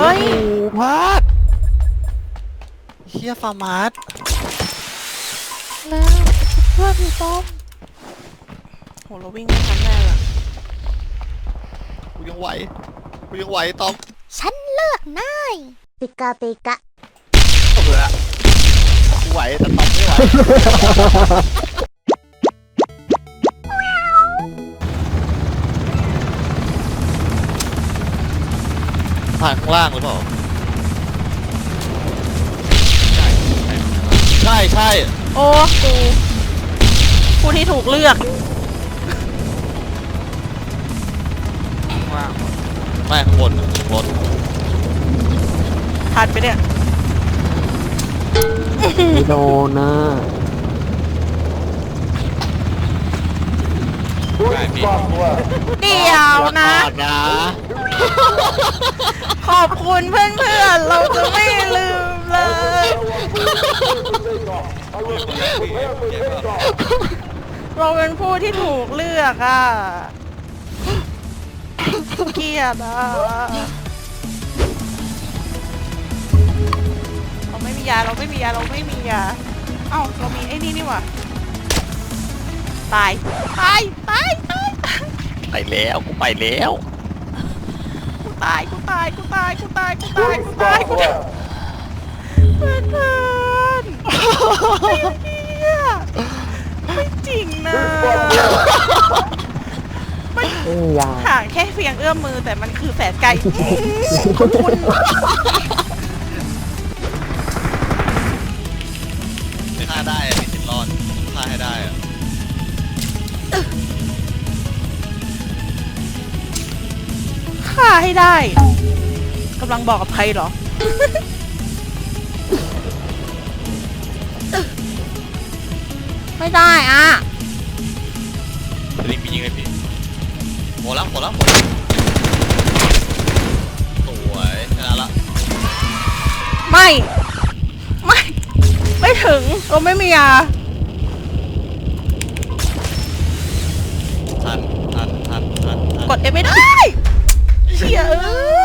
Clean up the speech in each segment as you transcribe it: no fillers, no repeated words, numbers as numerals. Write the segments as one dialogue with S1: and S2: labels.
S1: ฮ้ย
S2: พลาดเฮียฟาร์มาร์ส
S1: แล้วเพื่อนพี่ต้อมโหเราวิ่งไม่ทันแน่ละ
S2: กูยังไหวต้อม
S3: ฉันเลือกนายปิกาปิกะ
S2: เบื่อกูไหวแต่ต้อมไม่ไหวผ่านข้างล่างหรือเปล่าใช่
S1: โอ้กูผู้ที่ถูกเลือก
S2: ไม่ข้างบนรถ
S1: ทันไปเนี่ย
S4: ไม่โดนนะ
S1: เดี๋ยวนะขอบคุณเพื่อนๆเราจะไม่ลืมเลยเราเป็นผู้ที่ถูกเลือกอ่ะเกลียดอ่ะเราไม่มียาเอ้าเรามีไอ้นี่หว่าตาย
S2: ไปแล้วกูไปแล้ว
S1: กูตายเพื่อนไม่จริงนะห่างแค่เพียงเอื้อมมือแต่มันคือแสนไกลขอบคุณ
S2: ฆ่าได้มีสิทธิ์รอดฆ่าให้ได้อะ
S1: ฆ่าให้ได้กำลังบอกกับใครเหรอไม่ได้อ่ะ
S2: ลิงมียิงเลยพี่หมดแล้วสวยชนะละ
S1: ไม่ถึงเราไม่มียา
S2: ทัน
S1: กดเอไม่ได้เชี่ย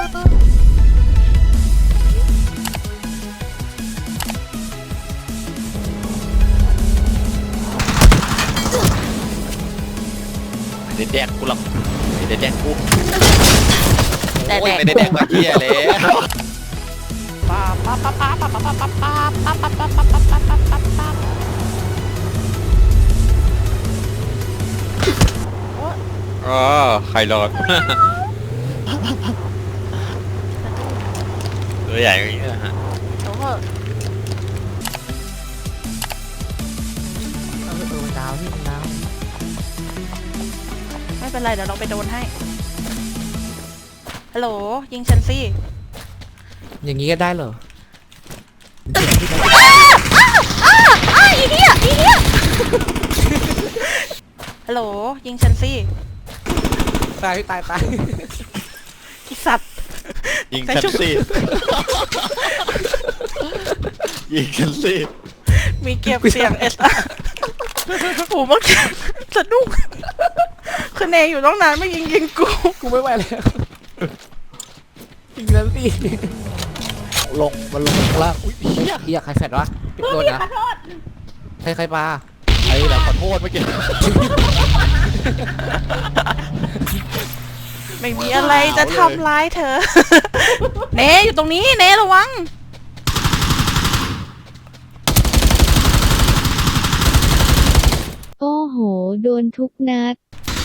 S2: ไม่ได้แดกกูหรอกไม่ได้แดกกูโอ้ยไม่ได้แดกมาเที่ยแล้วใครรอดตัวใหญ่อย่างนี้นะฮะ
S4: ดาวที่ดาว
S1: ไม่เป็นไรเดี๋ยวเราไปโดนให้ฮัลโหลยิงฉันสิ
S4: อย่างนี้ก็ได้เหรอ
S1: อีเหี้ยฮัลโหลยิงฉันสิ
S4: ตาย
S1: อีสัตว์
S2: ยิงฉันสิ
S1: มีเก็บเสียงเอสโอ้เมื่อกี้สะดุ้งคือเนยอยู่ต้องนานไม่ยิง
S4: กูไม่ไหวแล้วยิงแล้วสิ
S2: มันลงข้างล่างอุ้ยเฮีย
S4: ใครแฟดวะโดนนะใครปลา
S2: ไอ้แล้วขอโทษเมื่อกี้
S1: ไม่มีอะไรจะทำร้ายเธอเนยอยู่ตรงนี้เนยระวัง
S3: โอ้โหโดนทุกนัด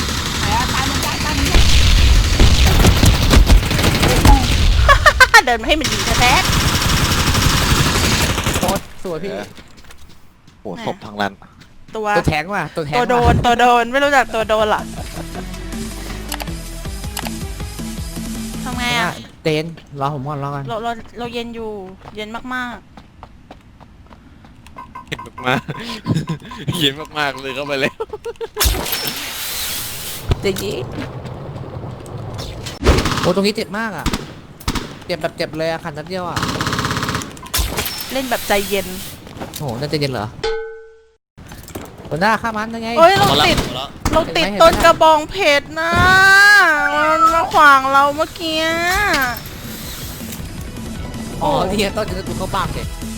S1: เดินมาให้มันยิงแท้
S4: โคตรสวยพี่
S2: โอ้ศพทางนั้น
S1: ตัว
S4: แทงว่ะ
S1: ตัวโดนไม่รู้จักตัวโดนหรอทำไงอ่ะ
S4: เต้นรอผมก่อน
S1: เราเย็นอยู่เย็นมาก
S2: เย็นมากเลยเข้าไปแล้ว
S4: เจ๊โอ้ตรงนี้เจ็บมากอ่ะเจ็บแบบเจ็บเลยอ่ะขันนัดเดียวอ่ะ
S1: เล่นแบบใจเย็น
S4: โอ้น่าจะเย็นเหรอหัวหน้าฆ่ามันยังไง
S1: เฮ้ยเราติดต้นกระบองเพชรนะมันมาขวางเราเมื่อกี้
S4: อ๋อเนี่ยต้นจะกูเข้าบ้านเลย